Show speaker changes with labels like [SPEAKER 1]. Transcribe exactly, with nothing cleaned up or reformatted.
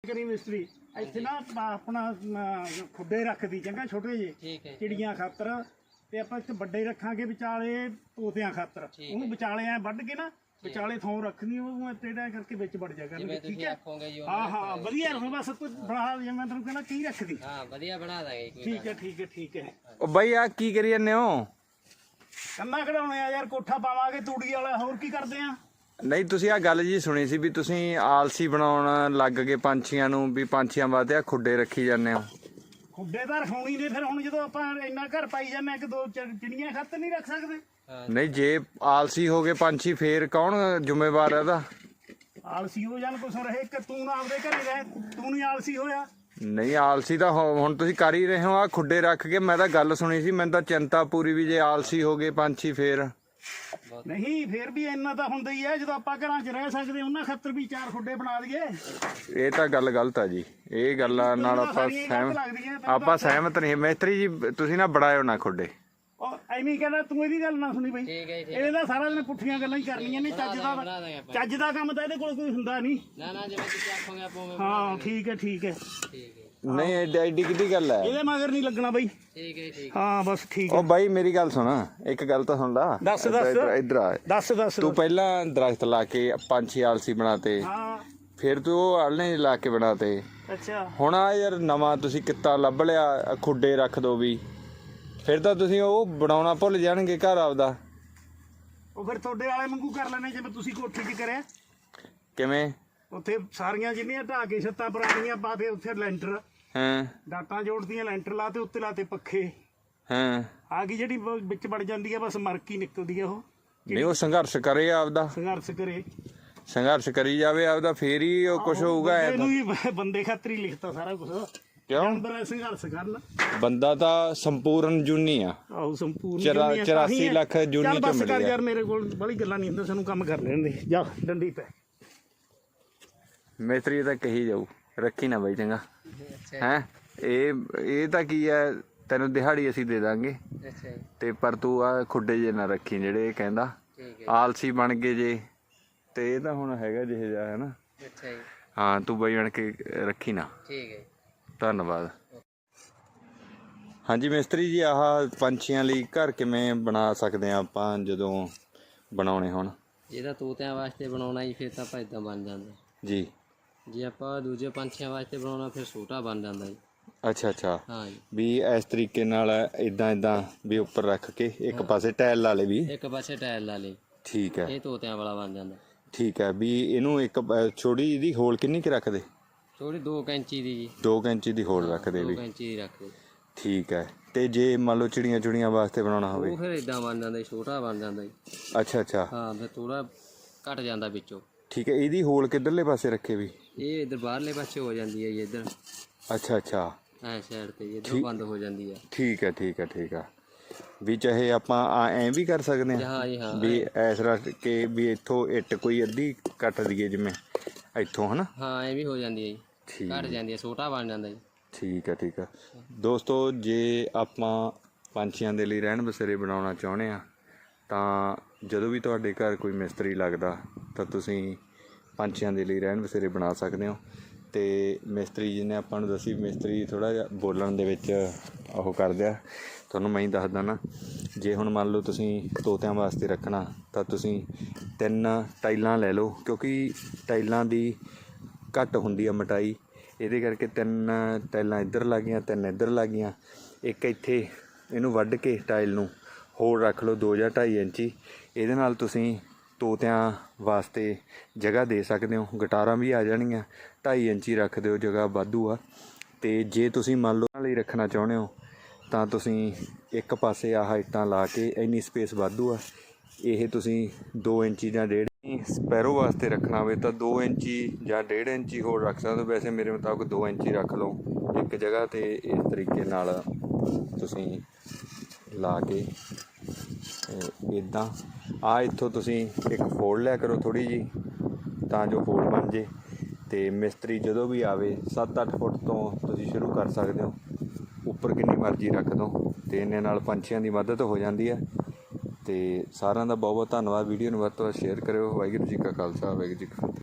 [SPEAKER 1] ਕਰੀ ਮਿਸਤਰੀ ਇੱਥੇ ਨਾ ਆਪਣਾ ਖੁੱਡੇ ਰੱਖਦੀ ਚੰਗਾ ਛੋਟੇ ਜਿਹੇ ਚਿੜੀਆਂ ਖਾਤਰ ਤੇ ਆਪਾਂ ਇੱਥੇ ਵੱਡੇ ਰੱਖਾਂਗੇ ਵਿਚਾਲੇ ਤੋਤਿਆਂ ਖਾਤਰ ਉਹਨੂੰ ਵਿਚਾਲੇ ਐ ਵੱਢ ਕੇ ਨਾ ਵਿਚਾਲੇ ਥੋਂ ਰੱਖਣੀ ਉਹ ਟੇਢਾ ਕਰਕੇ ਵਿੱਚ ਵੜ ਜਾ ਕਰਨਗੇ ਠੀਕ ਹੈ ਹਾਂ ਹਾਂ ਵਧੀਆ ਰਹੋ ਬਸ ਕੋਈ ਬਣਾ ਜੇ ਮੈਂ ਤੈਨੂੰ ਕਹਿੰਦਾ ਕੀ ਰੱਖਦੀ ਹਾਂ ਵਧੀਆ ਬਣਾ ਦਾਂਗੇ ਠੀਕ ਹੈ ਠੀਕ ਹੈ ਠੀਕ ਹੈ
[SPEAKER 2] ਉਹ ਬਾਈ ਆ ਕੀ ਕਰੀ ਜਾਂਦੇ ਹੋ
[SPEAKER 1] ਕੰਨਾ ਕਢਾਉਣੇ ਆ ਯਾਰ ਕੋਠਾ ਪਾਵਾਂਗੇ ਤੂੜੀ ਵਾਲਾ ਹੋਰ ਕੀ ਕਰਦੇ ਆ
[SPEAKER 2] ਨਹੀਂ ਤੁਸੀਂ ਆ ਗੱਲ ਜੀ ਸੁਣੀ ਸੀ ਵੀ ਤੁਸੀਂ ਆਲਸੀ ਬਣਾਉਣ ਲੱਗ ਗਏ ਪੰਛੀਆਂ ਨੂੰ ਵੀ ਪੰਛੀਆਂ ਵਾਸਤੇ ਆ ਖੁੱਡੇ ਰੱਖੀ ਜਾਂਦੇ ਹੋ
[SPEAKER 1] ਖੁੱਡੇ ਤਾਂ ਰਖਾਉਣੀ ਨੇ ਫਿਰ ਹੁਣ ਜਦੋਂ ਆਪਾਂ ਇੰਨਾ ਘਰ ਪਾਈ ਜਾਂਦੇ ਇੱਕ ਦੋ ਚਿੜੀਆਂ ਖਾਤਰ ਨਹੀਂ ਰੱਖ ਸਕਦੇ
[SPEAKER 2] ਨਹੀਂ ਜੇ ਆਲਸੀ ਹੋ ਗਏ ਪੰਛੀ ਫੇਰ ਕੌਣ ਜ਼ਿੰਮੇਵਾਰ ਹੈ ਇਹਦਾ
[SPEAKER 1] ਆਲਸੀ ਹੋ ਜਾਣ ਕੁਛ ਰਹੇ ਕਿ ਤੂੰ ਨਾ ਆਪਦੇ ਘਰੇ ਰਹਿ ਤੂੰ ਨਹੀਂ ਆਲਸੀ ਹੋਇਆ
[SPEAKER 2] ਨਹੀਂ ਆਲਸੀ ਤਾਂ ਹੁਣ ਤੁਸੀਂ ਕਰ ਹੀ ਰਹੇ ਹੋ ਆ ਖੁੱਡੇ ਰੱਖ ਕੇ ਮੈਂ ਤਾਂ ਗੱਲ ਸੁਣੀ ਸੀ ਮੈਨੂੰ ਤਾਂ ਚਿੰਤਾ ਪੂਰੀ ਵੀ ਜੇ ਆਲਸੀ ਹੋ ਗਏ ਪੰਛੀ ਫੇਰ
[SPEAKER 1] ਨਹੀਂ ਫੇਰ ਵੀ ਇੰਨਾ ਤਾਂ ਹੁੰਦਾ ਹੀ ਹੈ ਜਦੋਂ ਆਪਾਂ ਘਰਾਂ 'ਚ ਰਹਿ ਸਕਦੇ ਉਹਨਾਂ ਖਾਤਰ ਵੀ ਚਾਰ ਖੁੱਡੇ ਬਣਾ ਦਈਏ
[SPEAKER 2] ਇਹ ਤਾਂ ਗੱਲ ਗਲਤ ਆ ਜੀ ਇਹ ਗੱਲਾਂ ਨਾਲ ਆਪਾਂ ਸਹਿਮਤ ਆਪਾਂ ਸਹਿਮਤ ਨਹੀਂ ਮਿਸਤਰੀ ਜੀ ਤੁਸੀਂ ਨਾ ਬਣਾਇਓ ਨਾ ਖੁੱਡੇ
[SPEAKER 1] ਉਹ ਐਵੇਂ ਕਹਿੰਦਾ ਤੂੰ ਇਹਦੀ ਗੱਲ ਨਾ ਸੁਣੀ ਬਈ ਇਹਦੇ ਤਾਂ ਸਾਰਾ ਦਿਨ ਪੁੱਠੀਆਂ ਗੱਲਾਂ ਹੀ ਕਰਨੀਆਂ ਨੇ ਚੱਜ ਦਾ ਚੱਜ ਦਾ ਕੰਮ ਤਾਂ ਇਹਦੇ ਕੋਲ ਕੋਈ ਹੁੰਦਾ ਨਹੀਂ ਨਾ ਨਾ ਜਿਵੇਂ ਤੁਸੀਂ ਆਖੋਗੇ ਆਪਾਂ ਹਾਂ ਠੀਕ ਹੈ ਠੀਕ ਹੈ
[SPEAKER 2] ਨਹੀਂ ਐਡੀ ਐਡੀ ਕਿੱਡੀ ਗੱਲ ਹੈ
[SPEAKER 1] ਇਹਦੇ ਮਗਰ ਨਹੀਂ ਲੱਗਣਾ ਬਈ ਠੀਕ ਹੈ ਠੀਕ ਹਾਂ ਬਸ ਠੀਕ ਹੈ
[SPEAKER 2] ਉਹ ਬਾਈ ਮੇਰੀ ਗੱਲ ਸੁਣ ਇੱਕ ਗੱਲ ਤਾਂ ਸੁਣ ਲਾ
[SPEAKER 1] ਦੱਸ ਦੱਸ
[SPEAKER 2] ਇੱਧਰ ਆ
[SPEAKER 1] ਦੱਸ ਦੱਸ
[SPEAKER 2] ਤੂੰ ਪਹਿਲਾਂ ਦਰਖਤ ਲਾ ਕੇ ਪੰਛੀ ਆਲਸੀ ਬਣਾਤੇ
[SPEAKER 1] ਹਾਂ
[SPEAKER 2] ਫਿਰ ਤੂੰ ਉਹ ਆਲਣੇ ਲਾ ਕੇ ਬਣਾਤੇ
[SPEAKER 1] ਅੱਛਾ ਹੁਣ
[SPEAKER 2] ਆ ਯਾਰ ਨਵਾਂ ਤੁਸੀਂ ਕਿੱਤਾ ਲੱਭ ਲਿਆ ਖੁੱਡੇ ਰੱਖ ਦੋ ਵੀ ਫਿਰ ਤਾਂ ਤੁਸੀਂ ਉਹ ਬਣਾਉਣਾ ਭੁੱਲ ਜਾਣਗੇ ਘਰ ਆਪਦਾ
[SPEAKER 1] ਉਹ ਫਿਰ ਤੁਹਾਡੇ ਵਾਲੇ ਵਾਂਗੂ ਕਰ ਲੈਣੇ ਜਿਵੇਂ ਤੁਸੀਂ ਕੋਠੀ 'ਚ ਕਰਿਆ
[SPEAKER 2] ਕਿਵੇਂ
[SPEAKER 1] ਉੱਥੇ ਸਾਰੀਆਂ ਜਿੰਨੀਆਂ ਢਾਹ ਕੇ ਛੱਤਾਂ ਪੁਰਾਣੀਆਂ ਪਾ ਕੇ ਉੱਥੇ ਲੈਂਟਰ
[SPEAKER 2] ਹਾਂ
[SPEAKER 1] ਡਾਟਾਂ ਜੋੜਦੀਆਂ ਲੈਂਟਰ ਲਾ ਤੇ ਉੱਤੇ ਲਾਤੇ ਪੱਖੇ
[SPEAKER 2] ਹਾਂ ਆ
[SPEAKER 1] ਗਈ ਜਿਹੜੀ ਵਿੱਚ ਵੜ ਜਾਂਦੀ ਆ ਬਸ ਮਰਕੀ ਨਿਕਲਦੀ ਆ ਉਹ
[SPEAKER 2] ਨਹੀਂ ਉਹ ਸੰਘਰਸ਼ ਕਰੇ ਆਪਦਾ
[SPEAKER 1] ਸੰਘਰਸ਼ ਕਰੇ
[SPEAKER 2] ਸੰਘਰਸ਼ ਕਰੀ ਜਾਵੇ ਆਪਦਾ ਫੇਰ ਹੀ ਉਹ ਕੁਝ ਹੋਊਗਾ
[SPEAKER 1] ਇਹਨੂੰ ਵੀ ਬੰਦੇ ਖਾਤਰ ਹੀ ਲਿਖਤਾ ਸਾਰਾ ਕੁਝ
[SPEAKER 2] ਕਿਉਂ
[SPEAKER 1] ਸੰਘਰਸ਼ ਕਰਨ
[SPEAKER 2] ਬੰਦਾ ਤਾਂ ਸੰਪੂਰਨ ਜੂਨੀ ਆ
[SPEAKER 1] ਆਹੋ ਸੰਪੂਰਨ
[SPEAKER 2] ਚੁਰਾਸੀ ਲੱਖ ਜੂਨੀ ਚ
[SPEAKER 1] ਬਸ ਕਰ ਯਾਰ ਮੇਰੇ ਕੋਲ ਬੜੀ ਗੱਲਾਂ ਨਹੀਂ ਹੁੰਦੀਆਂ ਸਾਨੂੰ ਕੰਮ ਕਰ ਲੈਣ ਦੇ ਜਾ ਡੰਡੀ ਪੈ
[SPEAKER 2] ਮਿਸਤਰੀ ਤਾਂ ਕਹੀ ਜਾਊ ਰੱਖੀ ਨਾ ਬਾਈ ਚੰਗਾ ਹੈ ਇਹ ਇਹ ਤਾਂ ਕੀ ਹੈ ਤੈਨੂੰ ਦਿਹਾੜੀ ਅਸੀਂ ਦੇ ਦਾਂਗੇ ਤੇ ਪਰ ਤੂੰ ਆ ਖੁੱਡੇ ਜੇ ਨਾ ਰੱਖੀ ਜਿਹੜੇ ਇਹ ਕਹਿੰਦਾ ਆਲਸੀ ਬਣ ਗਏ ਜੇ ਤੇ ਇਹ ਤਾਂ ਹੁਣ ਹੈਗਾ ਜਿਹੇ ਜਿਹਾ ਹੈ ਨਾ ਹਾਂ ਤੂੰ ਬਾਈ ਬਣ ਕੇ ਰੱਖੀ ਨਾ ਠੀਕ ਹੈ ਧੰਨਵਾਦ ਹਾਂਜੀ ਮਿਸਤਰੀ ਜੀ ਆਹ ਪੰਛੀਆਂ ਲਈ ਘਰ ਕਿਵੇਂ ਬਣਾ ਸਕਦੇ ਆ ਆਪਾਂ ਜਦੋਂ ਬਣਾਉਣੇ ਹੋਣ
[SPEAKER 3] ਇਹਦਾ ਤੋਤਿਆਂ ਵਾਸਤੇ ਬਣਾਉਣਾ ਜੀ ਫਿਰ ਤਾਂ ਆਪਾਂ ਇਦਾਂ ਬਣ ਜਾਂਦਾ
[SPEAKER 2] ਜੀ
[SPEAKER 3] ਜੇ ਆਪਾਂ ਦੂਜੇ ਪੰਛੀਆਂ ਵਾਸਤੇ ਬਣਾਉਣਾ ਫਿਰ ਛੋਟਾ ਬਣ ਜਾਂਦਾ ਜੀ
[SPEAKER 2] ਅੱਛਾ ਅੱਛਾ
[SPEAKER 3] ਹਾਂ ਜੀ
[SPEAKER 2] ਵੀ ਇਸ ਤਰੀਕੇ ਨਾਲ ਇਦਾਂ ਇਦਾਂ ਵੀ ਉੱਪਰ ਰੱਖ ਕੇ ਇੱਕ ਪਾਸੇ ਟਾਇਲ ਲਾ ਲੇ ਵੀ
[SPEAKER 3] ਇੱਕ ਪਾਸੇ ਟਾਇਲ ਲਾ ਲੇ
[SPEAKER 2] ਠੀਕ ਹੈ
[SPEAKER 3] ਇਹ ਤੋਤਿਆਂ ਵਾਲਾ ਬਣ ਜਾਂਦਾ
[SPEAKER 2] ਠੀਕ ਹੈ ਵੀ ਇਹਨੂੰ ਇੱਕ ਛੋਟੀ ਜਿਹੀ ਹੋਲ ਕਿੰਨੀ ਕੁ ਰੱਖਦੇ
[SPEAKER 3] ਥੋੜੀ ਦੋ ਇੰਚੀ ਦੀ ਜੀ
[SPEAKER 2] ਦੋ ਇੰਚੀ ਦੀ ਹੋਲ ਰੱਖਦੇ ਵੀ
[SPEAKER 3] ਦੋ ਇੰਚੀ ਦੀ ਰੱਖਦੇ
[SPEAKER 2] ਠੀਕ ਹੈ ਤੇ ਜੇ ਮੰਨ ਲਓ ਚਿੜੀਆਂ ਚੁੜੀਆਂ ਵਾਸਤੇ ਬਣਾਉਣਾ ਹੋਵੇ
[SPEAKER 3] ਉਹ ਫਿਰ ਇਦਾਂ ਬਣ ਜਾਂਦਾ ਛੋਟਾ ਬਣ ਜਾਂਦਾ ਜੀ
[SPEAKER 2] ਅੱਛਾ ਅੱਛਾ
[SPEAKER 3] ਹਾਂ ਫਿਰ ਥੋੜਾ ਘਟ ਜਾਂਦਾ ਵਿੱਚੋਂ
[SPEAKER 2] ਠੀਕ ਹੈ ਇਹਦੀ ਹੋਲ ਕਿੱਧਰਲੇ ਪਾਸੇ ਰੱਖੇ ਵੀ
[SPEAKER 3] ਇਹ ਇਧਰ ਬਾਹਰਲੇ ਪਾਸੇ ਹੋ ਜਾਂਦੀ ਹੈ ਜੀ ਇੱਧਰ
[SPEAKER 2] ਅੱਛਾ ਅੱਛਾ
[SPEAKER 3] ਐ ਸਾਈਡ ਤੇ ਇੱਧਰ ਬੰਦ ਹੋ ਜਾਂਦੀ ਹੈ
[SPEAKER 2] ਠੀਕ ਹੈ ਠੀਕ ਹੈ ਠੀਕ ਹੈ ਵੀ ਚਾਹੇ ਆਪਾਂ ਐਂ ਵੀ ਕਰ ਸਕਦੇ ਹਾਂ ਵੀ ਇਸ ਰੱਖ ਕੇ ਵੀ ਇੱਥੋਂ ਇੱਟ ਕੋਈ ਅੱਧੀ ਕੱਟ ਦਈਏ ਜਿਵੇਂ ਇੱਥੋਂ ਹਨਾ
[SPEAKER 3] ਹਾਂ ਐ ਵੀ ਹੋ ਜਾਂਦੀ ਹੈ ਜੀ ਘਟ ਜਾਂਦੀ ਹੈ ਛੋਟਾ ਬਣ ਜਾਂਦਾ ਜੀ
[SPEAKER 2] ਠੀਕ ਹੈ ਠੀਕ ਹੈ ਦੋਸਤੋ ਜੇ ਆਪਾਂ ਪੰਛੀਆਂ ਦੇ ਲਈ ਰਹਿਣ ਬਸੇਰੇ ਬਣਾਉਣਾ ਚਾਹੁੰਦੇ ਆ ਤਾਂ ਜਦੋਂ ਵੀ ਤੁਹਾਡੇ ਘਰ ਕੋਈ ਮਿਸਤਰੀ ਲੱਗਦਾ ਤਾਂ ਤੁਸੀਂ ਪੰਛੀਆਂ ਦੇ ਲਈ ਰਹਿਣ ਬਸੇਰੇ ਬਣਾ ਸਕਦੇ ਹੋ ਤੇ ਮਿਸਤਰੀ ਜੀ ਨੇ ਆਪਾਂ ਨੂੰ ਦੱਸੀ ਮਿਸਤਰੀ ਥੋੜ੍ਹਾ ਜਿਹਾ ਬੋਲਣ ਦੇ ਵਿੱਚ ਉਹ ਕਰਦੇ ਆ ਤੁਹਾਨੂੰ ਮੈਂ ਹੀ ਦੱਸਦਾ ਨਾ ਜੇ ਹੁਣ ਮੰਨ ਲਓ ਤੁਸੀਂ ਤੋਤਿਆਂ ਵਾਸਤੇ ਰੱਖਣਾ ਤਾਂ ਤੁਸੀਂ ਤਿੰਨ ਟਾਈਲਾਂ ਲੈ ਲਓ ਕਿਉਂਕਿ ਟਾਈਲਾਂ ਦੀ ਘੱਟ ਹੁੰਦੀ ਆ ਮੋਟਾਈ ਇਹਦੇ ਕਰਕੇ ਤਿੰਨ ਟਾਈਲਾਂ ਇੱਧਰ ਲੱਗ ਗਈਆਂ ਤਿੰਨ ਇੱਧਰ ਲੱਗ ਗਈਆਂ ਇੱਕ ਇੱਥੇ ਇਹਨੂੰ ਵੱਢ ਕੇ ਟਾਈਲ ਨੂੰ ਹੋਰ ਰੱਖ ਲਓ ਦੋ ਜਾਂ ਢਾਈ ਇੰਚੀ ਇਹਦੇ ਨਾਲ ਤੁਸੀਂ ਤੋਤਿਆਂ ਵਾਸਤੇ ਜਗ੍ਹਾ ਦੇ ਸਕਦੇ ਹੋ ਗਟਾਰਾਂ ਵੀ ਆ ਜਾਣਗੀਆਂ ਢਾਈ ਇੰਚੀ ਰੱਖ ਦਿਓ ਜਗ੍ਹਾ ਵਾਧੂ ਆ ਤੇ ਜੇ ਤੁਸੀਂ ਮੰਨ ਲਓ ਉਹਨਾਂ ਲਈ ਰੱਖਣਾ ਚਾਹੁੰਦੇ ਹੋ ਤਾਂ ਤੁਸੀਂ ਇੱਕ ਪਾਸੇ ਆਹ ਇੱਟਾਂ ਲਾ ਕੇ ਇੰਨੀ ਸਪੇਸ ਵਾਧੂ ਆ ਇਹ ਤੁਸੀਂ ਦੋ ਇੰਚੀ ਜਾਂ ਡੇਢ ਸਪੈਰੋ ਵਾਸਤੇ ਰੱਖਣਾ ਹੋਵੇ ਤਾਂ ਦੋ ਇੰਚੀ ਜਾਂ ਡੇਢ ਇੰਚੀ ਹੋਰ ਰੱਖ ਸਕਦੇ ਹੋ ਵੈਸੇ ਮੇਰੇ ਮੁਤਾਬਕ ਦੋ ਇੰਚੀ ਰੱਖ ਲਓ ਇੱਕ ਜਗ੍ਹਾ 'ਤੇ ਇਸ ਤਰੀਕੇ ਨਾਲ ਤੁਸੀਂ ਲਾ ਕੇ ਇੱਦਾਂ ਆ ਇੱਥੋਂ ਤੁਸੀਂ ਇੱਕ ਫੋਲਡ ਲਿਆ ਕਰੋ ਥੋੜ੍ਹੀ ਜਿਹੀ ਤਾਂ ਜੋ ਫੋਲਡ ਬਣ ਜੇ ਤੇ ਮਿਸਤਰੀ ਜਦੋਂ ਵੀ ਆਵੇ ਸੱਤ ਅੱਠ ਫੁੱਟ ਤੋਂ ਤੁਸੀਂ ਸ਼ੁਰੂ ਕਰ ਸਕਦੇ ਹੋ ਉੱਪਰ ਕਿੰਨੀ ਮਰਜ਼ੀ ਰੱਖ ਦਿਓ ਤੇ ਇੰਨੇ ਨਾਲ ਪੰਛੀਆਂ ਦੀ ਮਦਦ ਹੋ ਜਾਂਦੀ ਹੈ ਤੇ ਸਾਰਿਆਂ ਦਾ ਬਹੁਤ ਬਹੁਤ ਧੰਨਵਾਦ ਵੀਡੀਓ ਨੂੰ ਵੱਧ ਤੋਂ ਵੱਧ ਸ਼ੇਅਰ ਕਰਿਓ ਵਾਹਿਗੁਰੂ ਜੀ ਕਾ ਖਾਲਸਾ ਵਾਹਿਗੁਰੂ ਜੀ ਕੀ ਫਤਿਹ।